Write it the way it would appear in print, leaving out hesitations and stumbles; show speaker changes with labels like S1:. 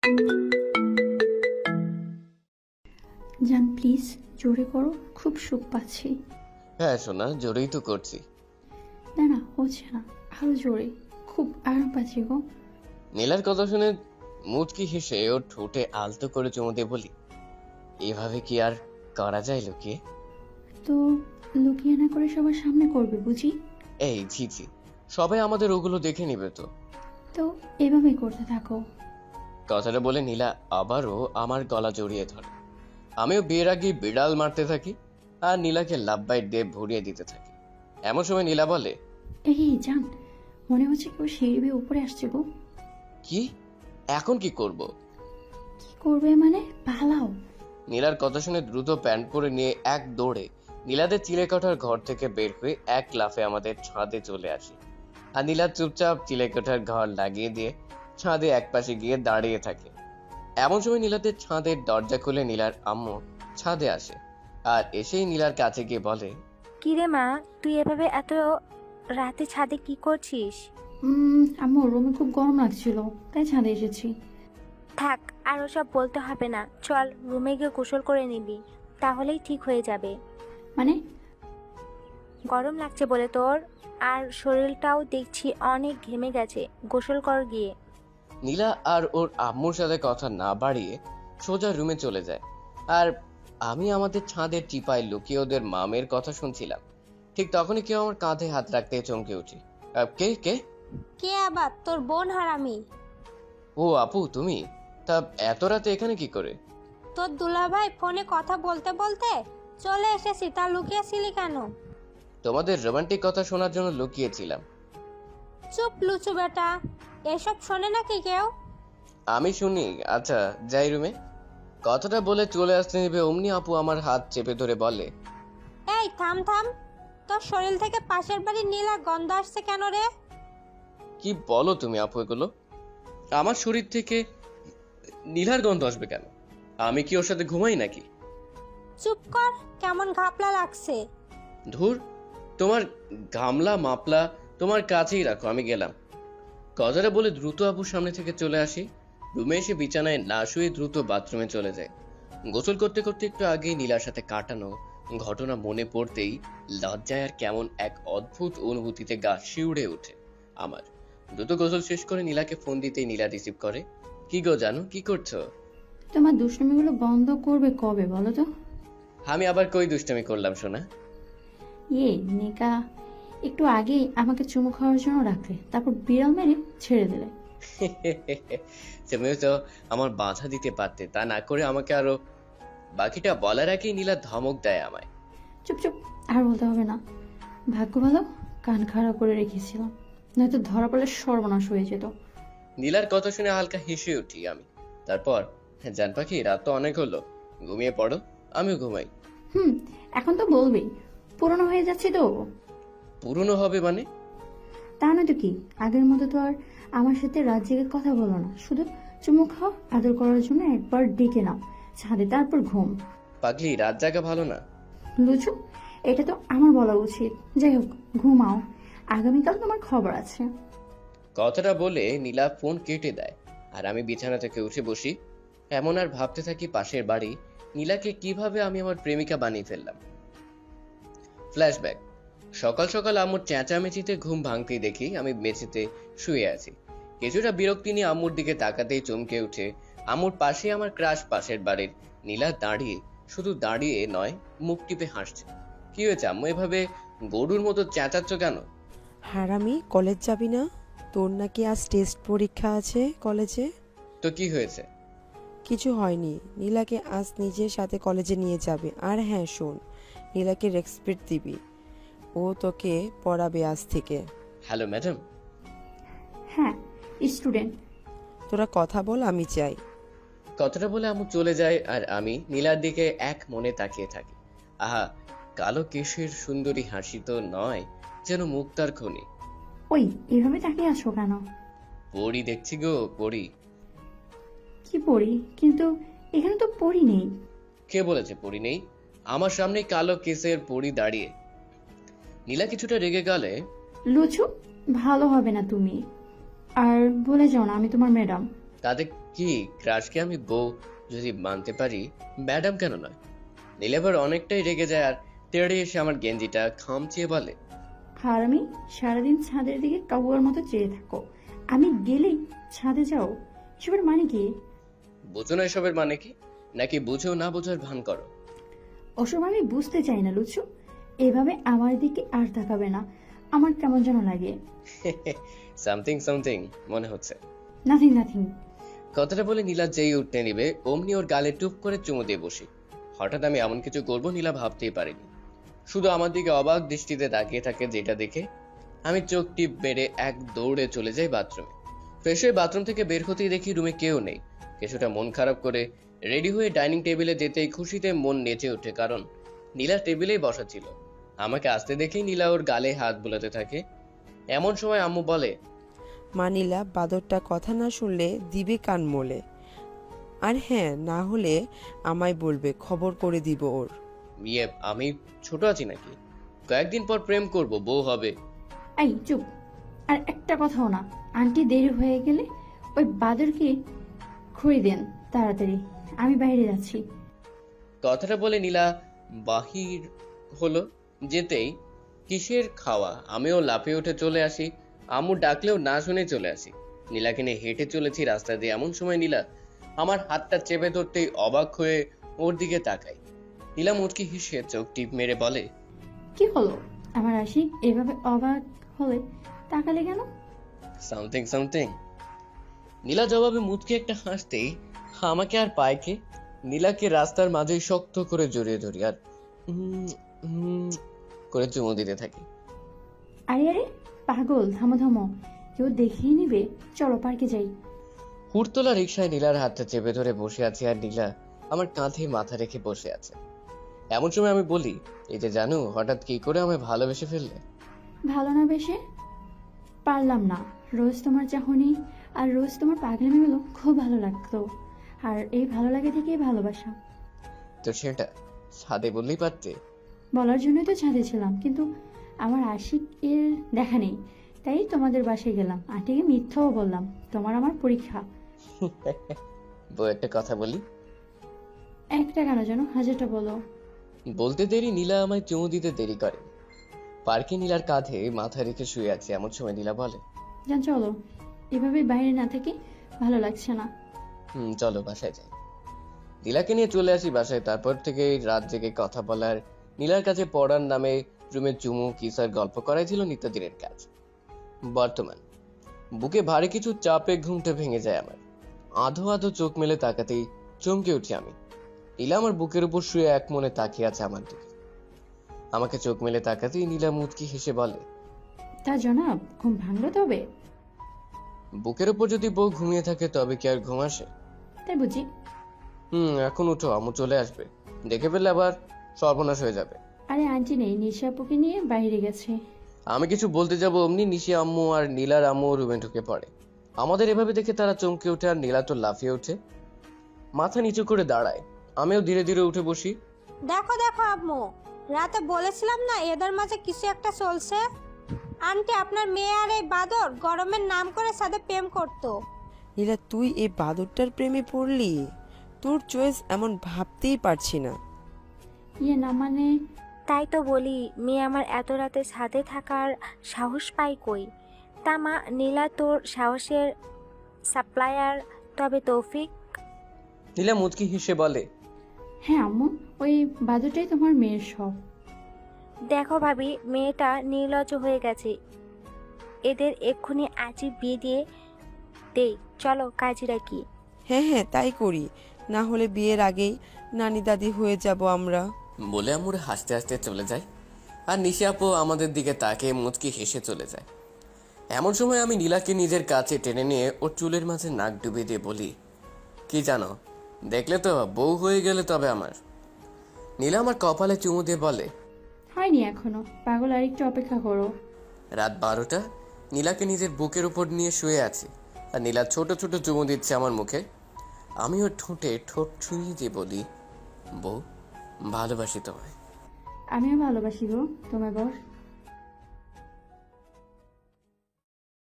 S1: জান প্লিজ জোরে করো, খুব সুখ পাচ্ছি।
S2: হ্যাঁ সোনা, জোরেই তো করছি।
S1: না না হচ্ছে না, আরো জোরে, খুব আরাম পাচ্ছি গো।
S2: নীলার কথা শুনে মুচকি হেসে ওর ঠোঁটে আলতো করে চুমু দিয়ে বলি, এভাবে কি আর করা যায় লুকিয়ে?
S1: তো লুকিয়ে না করে সবার সামনে করবে বুঝি?
S2: এই ছি ছি, সবাই আমাদের ওগুলো দেখে নিবে তো।
S1: তো এভাবেই করতে থাকো।
S2: কথাটা বলে নীলা আবারও আমার গলা জড়িয়ে ধরে। আমিও বিয়ের আগে বিড়াল মারতে থাকি আর নীলাকে লাভ বাইট দিয়ে ভরিয়ে দিতে থাকি। এমন সময় নীলা বলে,
S1: এই জান, মনে হচ্ছে কেউ সিঁড়ি বেয়ে উপরে আসছে গো।
S2: কি? এখন কি করব?
S1: কি করবে মানে? পালাও।
S2: নীলার কথা শুনে দ্রুত প্যান্ট পরে নিয়ে এক দৌড়ে নীলাদের চিলেকোঠার ঘর থেকে বের হয়ে এক লাফে আমাদের ছাদে চলে আসি। আর নীলা চুপচাপ চিলেকোঠার ঘর লাগিয়ে দিয়ে ছাদে একপাশে গিয়ে দাঁড়িয়ে থাকে। এমন সময় নীলাদের ছাদের দরজা খুলে নীলার আম্মু ছাদে আসে আর এসেই নীলার কাছে গিয়ে বলে,
S3: কিরে মা, তুই এভাবে এত রাতে ছাদে কি করছিস?
S1: আমার রুমে খুব গরম লাগছিল, তাই ছাদে এসেছি।
S3: থাক, আর ওসব বলতে হবে না, চল রুমে গিয়ে গোসল করে নিবি, তাহলেই ঠিক হয়ে যাবে।
S1: মানে?
S3: গরম লাগছে বলে তোর, আর শরীরটাও দেখছি অনেক ঘেমে গেছে, গোসল কর গিয়ে।
S2: নীলা আর ওর আম্মুর সাথে কথা না বাড়িয়ে সোজা রুমে চলে যায়। আর আমি আমাদের ছাদের টিপায় লুকিয়ে ওদের মামের কথা শুনছিলাম। ঠিক তখনই কেউ আমার কাঁধে হাত রাখতে চমকে উঠি। কে কে?
S4: কে আবার? তোর বোন হারামি।
S2: ও আপু, তুমি? তা এত রাতে এখানে কি করে?
S4: তোর দুলাভাই ফোনে কথা বলতে বলতে চলে এসেছি, তা লুকিয়েছিলি কেন?
S2: তোমাদের রোমান্টিক কথা শোনার জন্য লুকিয়েছিলাম।
S4: চুপ লুচু বেটা, এসব শোনে নাকি কেউ?
S2: আমি শুনি। আচ্ছা যাই রুমে। কথাটা বলে চলে আসতে নেবে অমনি আপু আমার হাত চেপে ধরে বলে,
S4: এই থাম থাম, তোর শরীর থেকে পাশের বাড়ির নীলা গন্ধ আসছে কেন রে?
S2: কি বলো তুমি আপু এগুলো? আমার শরীর থেকে নীলার গন্ধ আসবে কেন? আমি কি ওর সাথে ঘুমাই নাকি?
S4: চুপ কর, কেমন ঘাপলা লাগছে।
S2: ধুর, তোমার গামলা মাপলা তোমার কাছেই রাখো, আমি গেলাম। কথাটা বলে দ্রুত আপুর সামনে থেকে চলে আসি। রুমে এসে বিছানায় না শুয়ে দ্রুত বাথরুমে চলে যায়। গোসল করতে করতে একটু আগেই নীলার সাথে কাটানো ঘটনা মনে পড়তেই লজ্জায় আর কেমন এক অদ্ভুত অনুভূতিতে গা শিউড়ে ওঠে আমার। দ্রুত গোসল শেষ করে নীলাকে ফোন দিতেই নীলা রিসিভ করে। কি গো জানো, কি করছো?
S1: তোমার দুষ্টুমিগুলো বন্ধ করবে কবে বলো তো?
S2: আমি আবার কই দুষ্টামি করলাম সোনা?
S1: নেকা, একটু আগেই আমাকে চুমু খাওয়ার জন্য রাখলে, তারপর বিড়াল মেরে ছেড়ে দিলে।
S2: তুমিও তো আমার বাধা দিতে পারতে, তা না করে আমাকে আরো। বাকিটা বলার আগেই নীলা ধমক দেয় আমায়।
S1: চুপ চুপ, আর বলতে হবে না। ভাগ্য ভালো কান খাড়া করে রেখেছিলাম, নয়তো ধরা পড়লে সর্বনাশ হয়ে যেত।
S2: নীলার কথা শুনে হালকা হেসে উঠি আমি। তারপর, জান পাখি, রাত তো অনেক হলো, ঘুমিয়ে পড়ো, আমিও ঘুমাই।
S1: হুম, এখন তো বলবেই, পুরনো হয়ে যাচ্ছে তো।
S2: পুরনো হবে মানে?
S1: তা নয়তো কি, আগের মতো তো আর আমার সাথে রাত জেগে কথা বলো না, শুধু চুমু খাও, আদর করার জন্য একবার ডেকে নাও ছাদে, তারপর ঘুম।
S2: পাগলি, রাত জাগা ভালো না।
S1: লুচু, এটা তো আমার বলা উচিত। যাই হোক, ঘুমাও, আগামীকাল তোমার খবর আছে।
S2: কথাটা বলে নীলা ফোন কেটে দেয় আর আমি বিছানা থেকে উঠে বসি। এমন আর ভাবতে থাকি পাশের বাড়ি নীলাকে কিভাবে আমি আমার প্রেমিকা বানিয়ে ফেললাম। ফ্ল্যাশব্যাক। সকাল সকাল আম্মুর চেঁচামেচিতে ঘুম ভাঙতেই দেখি আমি মেঝেতে শুয়ে আছি। কিছুটা বিরক্তি নিয়ে আম্মুর দিকে তাকাতেই চমকে উঠে আম্মুর পাশে আমার ক্রাশ পাশের বাড়ির নীলা দাঁড়িয়ে, শুধু দাঁড়িয়ে নয়, মুখ টিপে হাসছে। কি হয়েছে আম্মু, এভাবে গরুর মতো চেঁচাচ্ছ কেন?
S5: হারামি, কলেজ যাবি না? তোর নাকি আজ টেস্ট পরীক্ষা আছে কলেজে।
S2: তো কি হয়েছে?
S5: কিছু হয়নি, নীলাকে আজ নিজের সাথে কলেজে নিয়ে যাবে। আর হ্যাঁ শোন, নীলাকে রেসপেক্ট দিবি, ও তোকে পড়াবে আজ থেকে।
S2: Hello madam.
S1: হ্যাঁ, স্টুডেন্ট।
S5: তোরা কথা বল, আমি চাই।
S2: কথাটা বলে আম্মু চলে যায় আর আমি নীলার দিকে এক মনে তাকিয়ে থাকি। আহা, কালো কেশের সুন্দরী হাসি তো নয়, যেন মুক্তার খনি।
S1: ওই, এভাবে তাকিয়ে আছো কেন?
S2: পড়ি দেখছি গো, পড়ি।
S1: কি পড়ি? কিন্তু এখানে তো পড়ি নেই।
S2: কে বলেছে পড়ি নেই? আমার সামনে কালো কেসের পড়ি দাঁড়িয়ে। নীলা কিছুটা রেগে গেলে,
S1: লুচু, ভালো হবে না তুমি। আর বলে যাও না আমি তোমার ম্যাডাম।
S2: তাতে কি ক্রাশকে আমি বউ যদি মানতে পারি, ম্যাডাম কেন নয়? নীলা এবার অনেকটাই রেগে যায় আর তেড়ে এসে আমার গেঞ্জিটা খামচিয়ে বলে,
S1: আর আমি সারাদিন ছাদের দিকে কাবুয়ার মতো চেয়ে থাকো, আমি গেলেই ছাদে যাও, এসবের মানে কি?
S2: বুঝো না এসবের মানে কি? নাকি বুঝেও না বোঝার ভান করো?
S1: ওসব আমি বুঝতে চাই না লুচু, এভাবে আমার দিকে আর তাকাবে না, আমার কেমন যেন লাগে।
S2: সামথিং সামথিং মনে হচ্ছে।
S1: Nothing nothing.
S2: কথাটা বলে নীলা যেই উঠতে নিবে অমনি ওর গালে টুপ করে চুমু দিয়ে বসি। হঠাৎ আমি এমন কিছু করবো নীলা ভাবতেই পারিনি। শুধু আমার দিকে অবাক দৃষ্টিতে তাকিয়ে থাকে, যেটা দেখে আমি চোখ টিপ বেড়ে এক দৌড়ে চলে যাই বাথরুমে। ফ্রেশ হয়ে বাথরুম থেকে বের হতেই দেখি রুমে কেউ নেই। কিছুটা মন খারাপ করে রেডি হয়ে ডাইনিং টেবিলে যেতেই খুশিতে মন নেচে ওঠে, কারণ নীলা টেবিলেই বসা ছিল। আমাকে আসতে দেখেই নীলা ওর গালে হাত বোলাতে থাকে। এমন সময় আম্মু বলে,
S5: মা নীলা বাদরটা কথা না শুনলে দিবে কান মোলে। আর হ্যাঁ, না হলে আমায় বলবে, খবর করে দিব ওর।
S2: ইয়ে আমি ছোট আছি নাকি? কয়েকদিন পর প্রেম করব, বউ হবে।
S1: এই চুপ, আর একটা কথাও না। আন্টি দেরি হয়ে গেলে ওই বাদরকে খুঁড়ে দেন তাড়াতাড়ি, আমি বাইরে যাচ্ছি।
S2: কথাটা বলে নীলা বাহির হলো। যেতেই কিসের খাওয়া আমিও লাফিয়ে উঠে চলে আসি। আম্মু ডাকলেও না শুনে চলে আসি। নীলাকে নিয়ে হেঁটে চলেছি রাস্তা দিয়ে। এমন সময় নীলা আমার হাতটা চেপে ধরতেই অবাক হয়ে ওর দিকে তাকাই। নীলা মুচকি হেসে চোখ টিপ মেরে বলে,
S1: কি হলো আমার আশিক, এভাবে অবাক হলে তাকালে কেন?
S2: Something something. নীলা জবাবে মুচকি একটা হাসতেই আমাকে আর পায়কে নীলাকে রাস্তার মাঝেই শক্ত করে জড়িয়ে ধরি আর করে চুমু দিতে থাকি।
S1: আরে আরে পাগল, থামো থামো, কেউ দেখিয়ে নিবে, চলো পার্কে যাই।
S2: হুড়তোলা রিকশায় নীলার হাতটা চেপে ধরে বসে আছি আর নীলা আমার কাঁধে মাথা রেখে বসে আছে। এমন সময় আমি বলি, এই যে জানো হঠাৎ কি করে আমায় ভালোবেসে ফেললে?
S1: ভালো না বেশে পারলাম না, রোজ তোমার চাহনি আর রোজ তোমার পাগলামিগুলো খুব ভালো লাগতো, আর এই ভালো লাগে থেকেই ভালোবাসা।
S2: তো সেটা ছাদে বললেই পারতে।
S1: বলার জন্যই তো ছাদে ছিলাম, কিন্তু আমার আশিক এর দেখা নেই, তাই তোমাদের বাসায় গেলাম। আন্টিকে মিথ্যাও বললাম, তোমার আমার পরীক্ষা।
S2: বউ একটা কথা বলি?
S1: একটা কেন যেন, হাজারটা বলো।
S2: বলতে দেরি নীলা আমায় চুমু দিতে দেরি করে। পার্কে নীলার কাঁধে মাথা রেখে শুয়ে আছে। এমন সময় নীলা বলে,
S1: জান চলো, এভাবে বাইরে না থেকে ভালো লাগছে না।
S2: চলো বাসায় যাই। নীলাকে নিয়ে চলে আসি বাসায়। তারপর থেকে রাত জেগে কথা বলার, নীলার কাছে পড়ার নামে রুমে চুমু কিসার গল্প করাই ছিল নিত্যদিনের কাজ। বর্তমান বুকে ভারী কিছু চাপে ঘুমটা ভেঙে যায় আমার। আধো আধো চোখ মেলে তাকাতেই চমকে উঠি আমি। নীলা আমার বুকের উপর শুয়ে এক মনে তাকিয়ে আছে আমার দিকে। আমাকে চোখ মেলে তাকাতেই নীলা মুচকি হেসে বলে,
S1: তা জনাব, ঘুম ভাঙলো তবে?
S2: বুকের উপর যদি বউ ঘুমিয়ে থাকে তবে কি আর ঘুম আসে?
S1: তাই বুঝি?
S2: এখন উঠো, আম্মু চলে আসবে। দেখে ফেললে আবার সর্বনাশ হয়ে যাবে।
S1: আরে আন্টি নেই, নিশাপুকে নিয়ে বাইরে গেছে।
S2: আমি কিছু বলতে যাব অমনি নিশি আম্মু আর নীলার আম্মু রুমে ঢুকে পড়ে। আমাদের এভাবে দেখে তারা চমকে ওঠে আর নীলা তো লাফিয়ে ওঠে, মাথা নিচু করে দাঁড়ায়। আমিও ধীরে ধীরে উঠে বসি।
S4: দেখো দেখো আম্মু, রাতে বলেছিলাম না এদের মাঝে কিছু একটা চলছে। আন্টি আপনার মেয়ে আর এই বাদর গরমের নাম করে সাথে প্রেম করতো।
S5: নীলা, তুই এই বাদরটার প্রেমে পড়লি? তোর চয়েস এমন ভাবতেই পারছি না।
S1: ইয়ে না মানে,
S3: তাই তো বলি, মেয়ে আমার এত রাতে ছাদে থাকার সাহস পাই কই? তা মা, নীলা তোর সাহসের সাপ্লায়ার, তবে তৌফিক?
S2: নীলা মুচকি হেসে বলে,
S1: হ্যাঁ আম্মু, ওই বাদুটাই তোমার মেয়ের সব।
S3: দেখো ভাবি, মেয়েটা নির্লজ্জ হয়ে গেছে। এদের এক্ষুনি আজই বিয়ে দিয়ে দেই, চলো কাজিরা কি?
S5: হ্যাঁ হ্যাঁ, তাই করি, না হলে বিয়ের আগেই নানি দাদি হয়ে যাব আমরা।
S2: বলে আম্মুর হাসতে হাসতে চলে যায় আর নিশি আপু আমাদের দিকে তাকিয়ে মুচকি হেসে চলে যায়। এমন সময় আমি নীলাকে নিজের কাছে টেনে নিয়ে ওর চুলের মাঝে নাক ডুবিয়ে দিয়ে বলি, কি জানো, দেখলে তো বউ হয়ে গেলে তবে আমার। নীলা আমার কপালে চুমু দিয়ে বলে,
S1: হয়নি এখনো, পাগল, আর একটু অপেক্ষা করো।
S2: রাত 12টা। নীলাকে নিজের বুকের উপর নিয়ে শুয়ে আছি আর নীলা ছোট ছোট চুমু দিচ্ছে আমার মুখে। আমি ওর ঠোঁটে ঠোঁট ছুঁয়ে দিয়ে বলি, বউ ভালোবাসি তোমায়।
S1: আমিও ভালোবাসি গো তোমায় বস।